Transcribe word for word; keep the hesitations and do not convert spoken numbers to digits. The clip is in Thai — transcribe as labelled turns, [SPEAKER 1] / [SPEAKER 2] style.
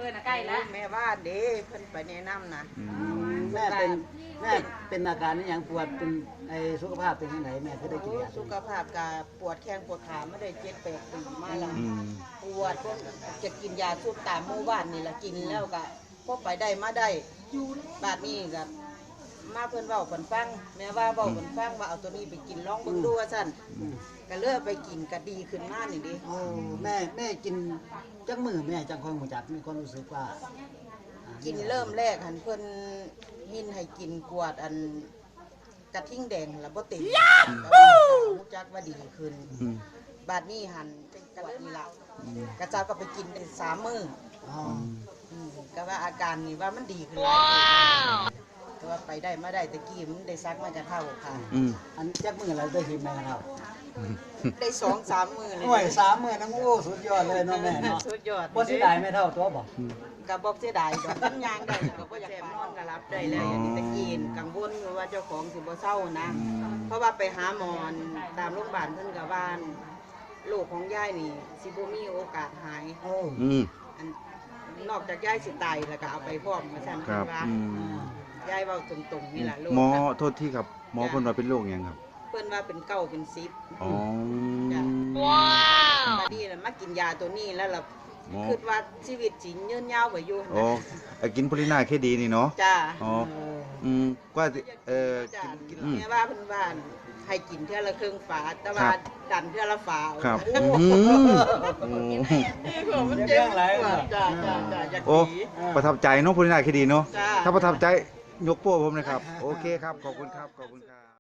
[SPEAKER 1] พื่อนใกล้แล้ว
[SPEAKER 2] แม่ว่าเด้เพิ่นไปแนะนำนะ
[SPEAKER 3] แม่เป็นแม่เป็นอาการนี้อย่างปวดเป็นไอสุขภาพเป็นยังไงแม่คือได้กินยา
[SPEAKER 2] สุขภาพกาปวดแข้งปวดขาไม่ได้เจ็ดแปดปีมาแล้ว
[SPEAKER 4] อืม
[SPEAKER 2] ปวดจะกินยาซุปตามหมู่บ้านนี่แหละกินแล้วก็พอไปได้มาได้บาดนี้ก็มาเพิ่นเว้าเพิ่นฟังแม่ว่าเว้าเพิ่นฟังว่าเอาตัวนี้ไปกินลองเบิ่งดูว่าซั่นก็เลือกไปกินก็ดีขึ้นมานี่ดิ
[SPEAKER 3] โอ้แม่แม่กินจักมือแม่จังคอยหูจักมีความรู้สึกว่า
[SPEAKER 2] กินเริ่มแรกหันเพิ่นหินให้กินกวดอันกระทิ่งแดงแล้วบ่ติดรู้จักว่าดีขึ้น
[SPEAKER 4] อืม
[SPEAKER 2] บาดนี้หันเป็นกวดนี่ล่ะกระเจ้าก็ไปกินได้สามมื้อ
[SPEAKER 3] อ๋อ
[SPEAKER 2] อืมก็ว่าอาการนี่ว่ามันดีขึ้นแล้วแต่ว่าไปได้มาได้ตะกี้มันได้ซักมากระเท่าค่ะ
[SPEAKER 4] อืม
[SPEAKER 3] อันจักมือเราได้หินแม่กันเท่า
[SPEAKER 2] ได้สองสามมือเลย
[SPEAKER 3] โอ้ยสามมือน้ำโอ้สุดยอดเลยเนาะแม่เนาะ
[SPEAKER 2] สุดยอด
[SPEAKER 3] บ่สิได้แม่เท่าตัวบ่
[SPEAKER 2] กับบอกเสียดายดอกมันยางได้ก็บ่อยากแสบนอนก็รับได้แล้วอย่างนี้ตะกี้กังวลว่าเจ้าของสิบ่เศร้านะ เพราะว่าไปหาหมอตามโรงพยาบาลเพิ่นก็ว่าโรคของยายนี่สิบ่มีโอกาสหาย
[SPEAKER 3] โอ้
[SPEAKER 4] อืม
[SPEAKER 2] อันนอกจากยายสิตายแล้วก็เอาไปพร้อมว่าซั่น
[SPEAKER 4] ครั
[SPEAKER 2] เพิ่
[SPEAKER 4] บ
[SPEAKER 2] นว่า
[SPEAKER 4] อืม
[SPEAKER 2] ยายเว้าตรงๆนี่ล่ะโรค
[SPEAKER 4] หมอ
[SPEAKER 2] นะ
[SPEAKER 4] โทษที่ครับหมอเพิ่นว่าเป็นโรคหยังครับ
[SPEAKER 2] เพิ่นว่าเป็นเก้าเป็นสิบ
[SPEAKER 4] อ๋อ
[SPEAKER 2] จ้ะบัดนี้ล่ะมากินยาตัวนี้แล้วล่ะ
[SPEAKER 4] หมอ
[SPEAKER 2] คิดว่าชีวิตสิยืนยาวไปอยู่
[SPEAKER 4] โอ้ไอ้กินโพลินาเคดีนี่เนาะ
[SPEAKER 2] จ้า
[SPEAKER 4] อ๋ออืมกว่าสิเอ่อ
[SPEAKER 2] จ้า
[SPEAKER 4] กินอืม
[SPEAKER 2] แม่ว่าเพิ่นว่าให้กินเทื่อละครึ่งฝาแต่ว่า
[SPEAKER 4] ครับ
[SPEAKER 2] ดันเทื่อละฝา
[SPEAKER 4] ครับ
[SPEAKER 2] โอ้
[SPEAKER 4] อื
[SPEAKER 2] โห
[SPEAKER 4] มโอ้
[SPEAKER 2] นี่ก็มันเจ็บปวดจ้าจ้าจ้าอยาก
[SPEAKER 4] โอ้
[SPEAKER 2] หนี
[SPEAKER 4] ประทับใจเนาะโพลินาเคดีเนาะ
[SPEAKER 2] จ้า
[SPEAKER 4] ถ้าประทับใจยกโป้ผมนะครับ โอเคครับ ขอบคุณครับ ขอบคุณครับ